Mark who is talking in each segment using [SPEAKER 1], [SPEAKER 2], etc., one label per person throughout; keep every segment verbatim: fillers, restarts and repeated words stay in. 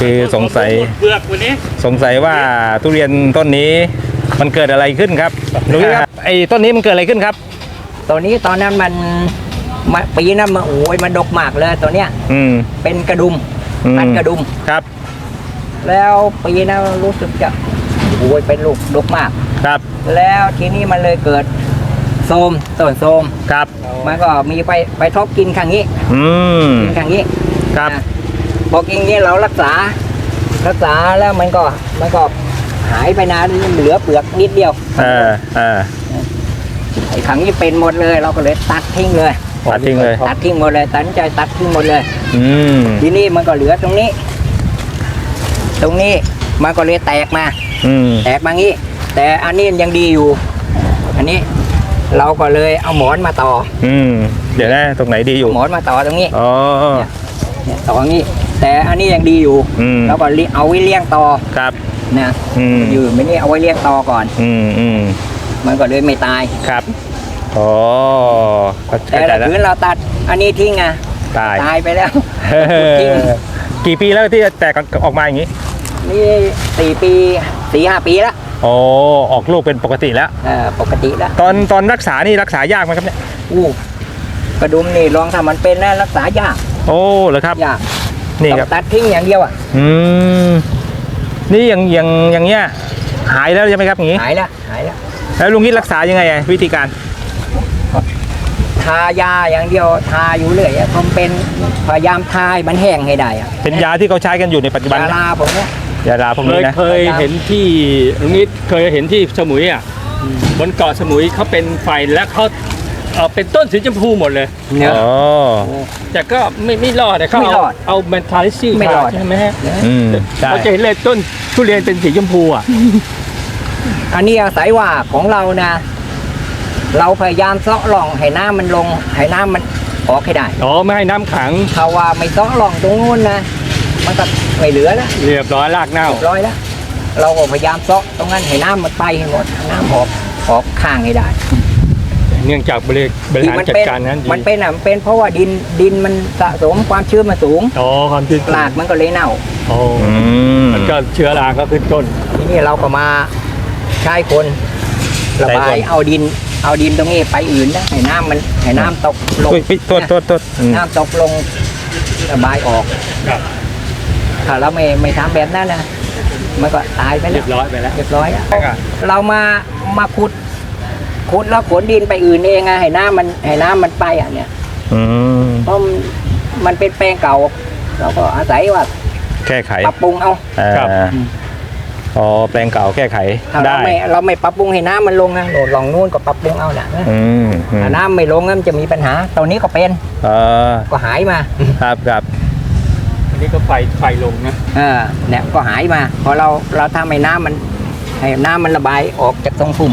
[SPEAKER 1] คือสงสัย
[SPEAKER 2] เปลือกวันนี้
[SPEAKER 1] สงสัยว่าทุเรียนต้นนี้มันเกิดอะไรขึ้นครับลุงนิดครับไอ้ต้นนี้มันเกิดอะไรขึ้นครับ
[SPEAKER 3] ตัวนี้ตอนนั้นมันปีนั้นมาโอ้ยมันดกมากเลยตัวเนี้ย
[SPEAKER 1] อืม
[SPEAKER 3] เป็นกระดุมพันกระดุม
[SPEAKER 1] ครับ
[SPEAKER 3] แล้วปีนั้นรู้สึกจะโอ้ยเป็นลูกดกมาก
[SPEAKER 1] ครับ
[SPEAKER 3] แล้วทีนี้มันเลยเกิดโทมต้นโทม
[SPEAKER 1] ครับ
[SPEAKER 3] มันก็มีไปไปทบกินข้างนี้
[SPEAKER 1] อืม
[SPEAKER 3] กินข้างนี้
[SPEAKER 1] ครับ
[SPEAKER 3] พอกินนี้เรารักษารักษาแล้วมันก็มันก็หายไปนานเหลือเปลือกนิดเดียว
[SPEAKER 1] เออเออ
[SPEAKER 3] ไอ้ขังนี้เป็นหมดเลยเราก็เลยตัดทิ้งเลย
[SPEAKER 1] ตัดทิ้งเลย
[SPEAKER 3] ตัดทิ้งหมดเลยตัดใจตัดทิ้งหมดเลย
[SPEAKER 1] อืม
[SPEAKER 3] ทีนี้มันก็เหลือตรงนี้ตรงนี้มันก็เลยแตกมา
[SPEAKER 1] อืม
[SPEAKER 3] แตกมางี้แต่อันนี้ยังดีอยู่อันนี้เราก็เลยเอาหมอนมาต่อ
[SPEAKER 1] อืมเดี๋ยวนะตรงไหนดีอยู่
[SPEAKER 3] หมอนมาต่อตรงนี้
[SPEAKER 1] อ๋อ
[SPEAKER 3] เนี่ยต่องี้แต่อันนี้ยังดีอยู่เราก็เอาไว้เลี้ยงต่อ
[SPEAKER 1] ครับ
[SPEAKER 3] นะอยู่ไม่นี่เอาไว้เลี้ยงต่อก่อน
[SPEAKER 1] อืมอืม
[SPEAKER 3] มันก็เลยไม่ตาย
[SPEAKER 1] ครับอ๋อ
[SPEAKER 3] แต่ถ้าคืนเราตัดอันนี้ทิ้งอ่ะ
[SPEAKER 1] ตาย
[SPEAKER 3] ตายไปแล้ว
[SPEAKER 1] ทิ้งกี่ปีแล้วที่แตกออกมาอย่างนี้
[SPEAKER 3] นี่สี่ปีสี่ห้าปีแล้ว
[SPEAKER 1] โอ้ออกลูกเป็นปกติแล้ว
[SPEAKER 3] เออปกติแล้ว
[SPEAKER 1] ตอนตอนรักษานี่รักษายากไหมครับเนี่ย
[SPEAKER 3] อู้กระดุมนี่ลองถ้ามันเป็นนะรักษายาก
[SPEAKER 1] โอ้เหรอครับ
[SPEAKER 3] ยาก
[SPEAKER 1] นี่ครับ
[SPEAKER 3] ตัดทิ้งอย่างเดียวอ่ะ
[SPEAKER 1] อืมนี่อย่างอย่างอย่างเงี้ยหายแล้วใช่ไหมครับอย่างงี้
[SPEAKER 3] หายแล้วหายแล้ว
[SPEAKER 1] แล้วลุงนิดรักษายังไงวิธีการ
[SPEAKER 3] ทายาอย่างเดียวทาอยู่เรื่อยผมเป็นพยายามทายมันแห้งให้ได้อะ
[SPEAKER 1] เป็นยาที่เขาใช้กันอยู่ในปัจจุบัน
[SPEAKER 3] ยาลาผมเนี่ย
[SPEAKER 1] ยาลาพวกนี้นะ
[SPEAKER 2] เคยเห็นที่ลุงนิดเคยเห็นที่สมุยอ่ะบนเกาะสมุยเขาเป็นไฟและเขาเออเป็นต้นสีชมพูหมดเลย
[SPEAKER 1] เนี่ย
[SPEAKER 2] แต่ก็ไม่ไม่รอดแต่เขาเอาเอาเมนทาลิซี่
[SPEAKER 3] ไม่รอด
[SPEAKER 2] ใช่ไหมฮะ
[SPEAKER 1] เขา
[SPEAKER 2] จะเห็นเลยต้นทุเรียนเป็นสีชมพูอ่ะ
[SPEAKER 3] อันนี้อาศัยว่าของเรานะเราพยายามเซาะร่องให้น้ำมันลงให้น้ำมันออกให้ได้
[SPEAKER 2] อ๋อไม่ให้น้ำขัง
[SPEAKER 3] ถ้าว่าไม่เซาะร่องตรงนู้นนะมันก็ไม่เหลือแล้ว
[SPEAKER 2] เรียบร้อยรากเน่า
[SPEAKER 3] เรียบร้อยแล้วเราก็พยายามเซาะตรงนั้นให้น้ำมันไปให้หมดน้ำออกออกข้างให้ได้
[SPEAKER 2] เนื่องจากบริบริหารจัดการนั้น
[SPEAKER 3] มันเป็นอ่ะมันเป็นเพราะว่าดินดินมันสะสมความชื้นมาสูง
[SPEAKER 2] อ๋อความชื้น
[SPEAKER 3] รากมันก็เลยเน่า
[SPEAKER 2] โอ้มันก็เชื้อราก็ขึ้นต้น
[SPEAKER 3] ทีนี้เราก็มาใช้คนระบายเอาดินเอาดินตรงนี้ไปอื่นนะให้น้ำมันให้น้ำตกลง
[SPEAKER 1] โทษโทษโทษ
[SPEAKER 3] น้ำตกลงระบายออกถ้าเราไม่ไม่ทำแบบนั้นนะมันก็ตายไปแล้ว
[SPEAKER 2] เรียบร้อยไปแล้ว
[SPEAKER 3] เรียบร้อยเรามามาขุดขุดแล้วขนดินไปอื่นเองไงให้น้ำมันให้น้ำมันไปอ่ะเนี่ยเพราะมันเป็นแปลงเก่าเราก็อาศัยว่า
[SPEAKER 1] แก้ไข
[SPEAKER 3] ปรับปรุงเอา
[SPEAKER 1] อ๋อแปลงเก่าแก้ไขได้
[SPEAKER 3] เราไม่เราไม่ปรับปรุงให้น้ำมันลงนะโหลดลองนู่นก็ปรับปรุงเอาแหละถ้าน้ำไม่ลงมันจะมีปัญหาตอนนี้ก็เป็นก็หายมา
[SPEAKER 1] ครับครับ
[SPEAKER 2] อันนี้ก็ไฟไฟลงนะ
[SPEAKER 3] เออเนี่ยก็หายมาพอเราเราทำให้น้ำมันให้น้ำมันระบายออกจากตรงพุ่ม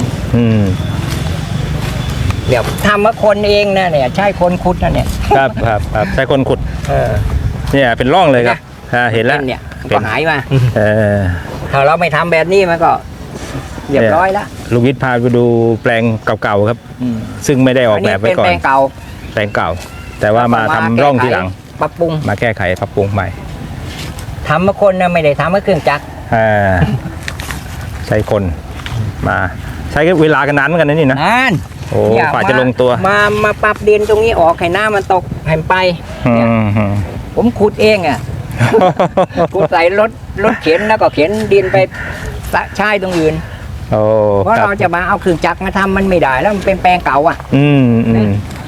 [SPEAKER 3] เดี๋ยวทำมาคนเองนะเนี่ยใช่คนขุดนะเนี่ย
[SPEAKER 1] ครับครับครับใช่คนขุดเนี่ยเป็นร่องเลยครับเห็นแล้ว
[SPEAKER 3] เนี่ยก็หายมา
[SPEAKER 1] เออ
[SPEAKER 3] ถ้าเราไม่ทำแบบนี้มันก็เรียบร้อยแล้ว
[SPEAKER 1] ลุงวิทย์พาไปดูแปลงเก่าๆครับซึ่งไม่ได้ออกแบบไว้ก่อน
[SPEAKER 3] แปลงเก่า
[SPEAKER 1] แปลงเก่าแต่ว่ามาทำร่องทีหลัง
[SPEAKER 3] ปรับปรุง
[SPEAKER 1] มาแก้ไขปรับปรุงใหม่
[SPEAKER 3] ทำมาคนนะไม่ได้ทำมาเครื่องจักร
[SPEAKER 1] ใช้คนมาใช้เวลากันนานเหมือนกันนะนี่นะ
[SPEAKER 3] นาน
[SPEAKER 1] โอ้กว่าจะลงตัว
[SPEAKER 3] มามาปรับดินตรงนี้ออกให้น้ำมันตกให้ไปผมขุดเองอ่ะขุดใส่รถรถเข็นแล้วก็เข็นดินไปใช้ตรงอื่นเพราะเราจะมาเอาเครื่องจักรมาทำมันไม่ได้แล้วมันเป็นแปลงเก่าอ่ะ
[SPEAKER 1] อืมอืม